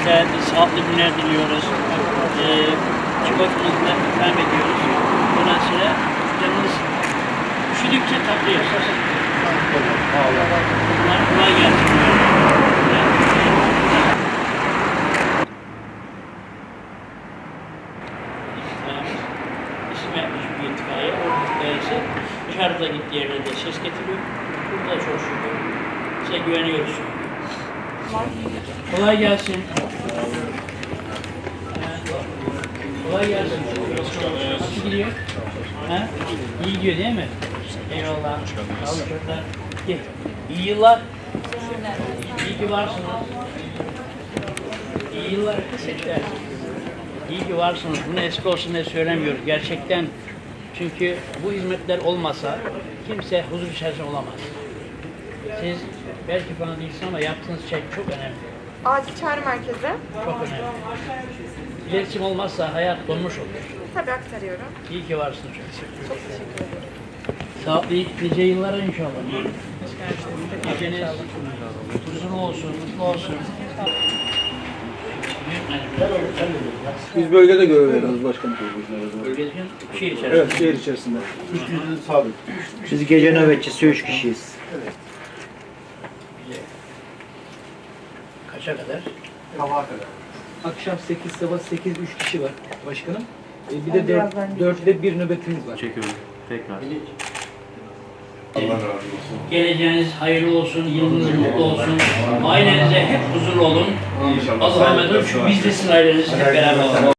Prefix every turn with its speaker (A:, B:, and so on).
A: size sağlıklı günler diliyoruz. Çikolatamızla ikram ediyoruz. Dolayısıyla canınız üşüdükçe tatlıyor. Bunlar kolay gelsin. İsim yapmış bir itfaiye. Orada dışarıda gittiği yerlerde ses getiriyor. Burada çok şükür. Size güveniyoruz. Kolay gelsin. Kolay gelsin. Nasıl gidiyor? Ha? İyi gidiyor değil mi? Eyvallah. Sağ olun çocuklar. İyi yıllar. İyi ki varsınız. İyi yıllar. Teşekkürler. İyi ki varsınız. Bunu eski olsun diye söylemiyoruz. Gerçekten çünkü bu hizmetler olmasa kimse huzur içerisinde olamaz. Siz belki bana değilsiniz ama yaptığınız şey çok önemli.
B: Acil çağrı merkezi.
A: Çok önemli. İletişim olmazsa hayat donmuş olur.
B: Tabii aktarıyorum.
A: İyi ki varsınız.
B: Çok teşekkür ederim.
A: Sağlıklı nice yıllara inşallah. Geceniz huzurlu olsun, mutlu olsun.
C: Biz bölgede görev veriyoruz başkanım.
A: Bölgede şehir içerisinde.
C: Evet, şehir içerisinde. Sabit.
D: Biz gece nöbetçisi 3 kişiyiz.
A: Kaça kadar?
C: Sabaha kadar.
E: Akşam 8, sabah 8, 3 kişi var başkanım. Bir de 4'de bir nöbetimiz var.
F: Çekiyorum. Tekrar.
C: Allah razı olsun.
A: Geleceğiniz hayırlı olsun, yılınız mutlu olsun. Ailenize hep huzurlu olun.
C: İnşallah.
A: Allah'a emanet olun. Çünkü biz de sizin aileniz hep beraber olalım.